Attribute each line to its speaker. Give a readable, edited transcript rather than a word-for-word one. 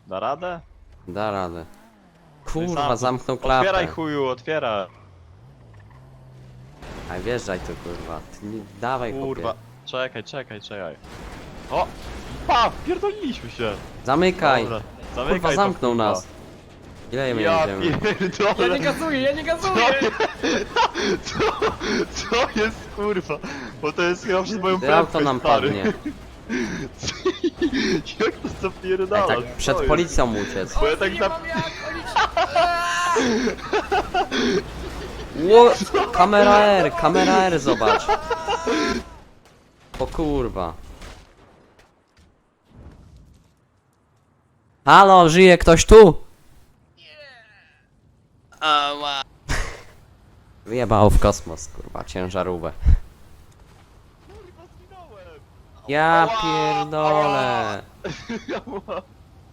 Speaker 1: Da radę?
Speaker 2: Da radę.
Speaker 1: No i
Speaker 2: Kurwa,
Speaker 1: sam-
Speaker 2: zamknął klapę.
Speaker 1: Otwieraj chuju, otwieraj.
Speaker 2: A wjeżdżaj tu, kurwa. Ty nie, dawaj,
Speaker 1: Kurwa.
Speaker 2: chłopie.
Speaker 1: Czekaj. O! Pa! Pierdoliliśmy się.
Speaker 2: Zamykaj.
Speaker 1: Dobra, zamykaj
Speaker 2: Kurwa,
Speaker 1: to,
Speaker 2: zamknął
Speaker 1: kurwa.
Speaker 2: nas. Ile my
Speaker 1: Ja
Speaker 2: jedziemy?
Speaker 1: pierdolę.
Speaker 3: Ja nie gazuję!
Speaker 1: Co jest kurwa? Bo to jest chyba przez moją
Speaker 2: Ty auto
Speaker 1: prędkość,
Speaker 2: nam
Speaker 1: stary.
Speaker 2: padnie.
Speaker 1: Jak to zapierdala?
Speaker 2: Tak przed
Speaker 1: Co jest?
Speaker 2: policją uciec.
Speaker 1: Bo ja tak
Speaker 3: nie
Speaker 1: na...
Speaker 3: mam jak, oni...
Speaker 2: Ło, kamera R, zobacz. O kurwa. Halo, żyje ktoś tu? Ała. Wyjebało w kosmos, kurwa, ciężarówkę.
Speaker 1: Kurwa, zginąłem!
Speaker 2: Ja pierdolę.
Speaker 1: Ja była...